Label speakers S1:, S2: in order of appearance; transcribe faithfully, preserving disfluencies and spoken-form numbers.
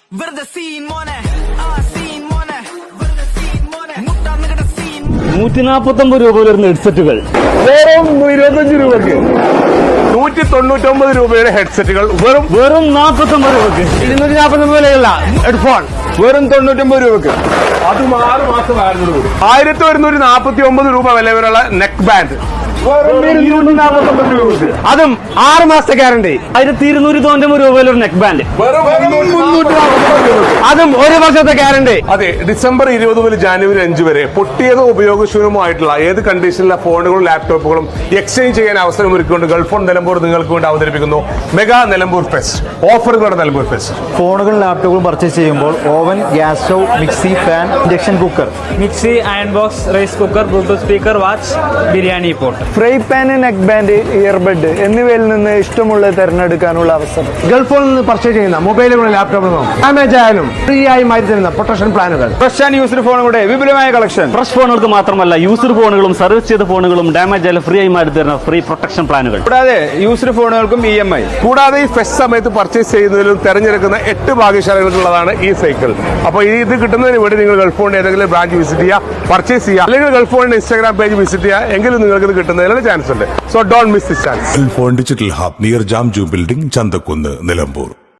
S1: നൂറ്റി നാപ്പത്തി ഒമ്പത് രൂപ വരുന്ന ഹെഡ്സെറ്റുകൾ
S2: വെറും ഇരുപത്തഞ്ച് രൂപയ്ക്ക്. നൂറ്റി തൊണ്ണൂറ്റൊമ്പത് രൂപയുടെ ഹെഡ്സെറ്റുകൾ വെറും
S1: വെറും നാപ്പത്തി ഒമ്പത് രൂപയ്ക്ക്.
S2: ഇരുന്നൂറ്റി നാൽപ്പത്തി ഒമ്പത് വിലയുള്ള ഹെഡ്ഫോൺ വെറും തൊണ്ണൂറ്റൊമ്പത് രൂപയ്ക്ക്. അതും ആറ് മാസം ആയിരുന്നു കൂടി. ആയിരത്തി ഒരുന്നൂറ്റി നാൽപ്പത്തി ഒമ്പത് രൂപ വില വരെയുള്ള നെക്ക് ബാൻഡ് ഇരുന്നൂറ്റി നാൽപ്പത്തി ഒമ്പത് രൂപയ്ക്ക്. അതും ആറ് മാസത്തെ ഗ്യാരണ്ടി.
S1: ആയിരത്തി ഇരുന്നൂറ്റി തൊണ്ണൂറ്റൊമ്പത് രൂപ വിലൊരു നെക്ക് ബാൻഡ്
S2: അതും ഒരു വർഷത്തെ ഗ്യാരണ്ടി. അതെ, ഡിസംബർ ഇരുപത് മുതൽ ജാനുവരി അഞ്ച് വരെ പൊട്ടിയതോ ഉപയോഗശൂന്യമായിട്ടുള്ള ഏത് കണ്ടീഷനിലെ ഫോണുകളും ലാപ്ടോപ്പുകളും എക്സ്ചേഞ്ച് ചെയ്യാൻ അവസരം ഒരുക്കിക്കൊണ്ട് ഗൾഫ് ഓൺ നിലമ്പൂർ നിങ്ങൾക്ക് വേണ്ടി അവതരിപ്പിക്കുന്നു മെഗാ നിലമ്പൂർ ഫെസ്റ്റ്. ഓഫറുകളുടെ നിലമ്പൂർ ഫെസ്റ്റ്.
S3: ഫോണുകളും ലാപ്ടോപ്പുകളും പർച്ചേസ് ചെയ്യുമ്പോൾ oven, gas stove, mixie, fan, induction cooker,
S4: mixie, iron box, rice cooker, Bluetooth speaker, watch, biryani pot,
S3: fry pan, neck band, earbud എന്നിവയിൽ നിന്ന് ഇഷ്ടമുള്ളത് തിരഞ്ഞെടുക്കാനുള്ള അവസരം.
S2: ഗൾഫിൽ നിന്ന് പർച്ചേസ് ചെയ്യുന്ന മൊബൈലുകളും ലാപ്ടോപ്പുകളും ഡാമേജ് ആയാലും ഫ്രീ ആയി മാറ്റി തരുന്ന പ്രൊട്ടക്ഷൻ പ്ലാനുകൾ. ഫ്രഷ് ആൻഡ് യൂസ്ഡ് ഫോണുകളുടെ വിപുലമായ കളക്ഷൻ.
S1: ഫ്രഷ് ഫോണുകൾക്ക് മാത്രമല്ല യൂസ്ഡ് ഫോണുകളും സർവീസ് ചെയ്ത ഫോണുകളും ഡാമേജ് ആയാലും ഫ്രീ ആയി മാറ്റി തരുന്ന ഫ്രീ പ്രൊട്ടക്ഷൻ പ്ലാനുകൾ.
S2: കൂടാതെ യൂസ്ഡ് ഫോണുകൾക്കും ഇ എം ഐ. കൂടാതെ ഈ ഫെസ്റ്റ് സമയത്ത് പർച്ചേസ് ചെയ്യുന്നതിലും തെരഞ്ഞെടുക്കുന്ന എട്ട് ഭാഗ്യശാലികൾക്കുള്ളതാണ് ഈ സൈക്കിൾ. അപ്പോൾ ഇത് കിട്ടുന്നതിന് വേണ്ടി നിങ്ങൾ ഗൾഫ് ഫോണിന്റെ ഏതെങ്കിലും ബ്രാഞ്ച് വിസിറ്റ് ചെയ്യുക, പർച്ചേസ് ചെയ്യുക, അല്ലെങ്കിൽ ഗൾഫ് ഫോണിന്റെ ഇൻസ്റ്റാഗ്രാം പേജ് വിസിറ്റ് ചെയ്യുക. എങ്കിലും നിങ്ങൾക്ക് ഇത് കിട്ടുന്നതിനുള്ള ചാൻസ് ഉണ്ട്. So don't miss this chance.
S5: Gulf phone digital hub near Jamju building, Chanthakkunnu, Nilambur.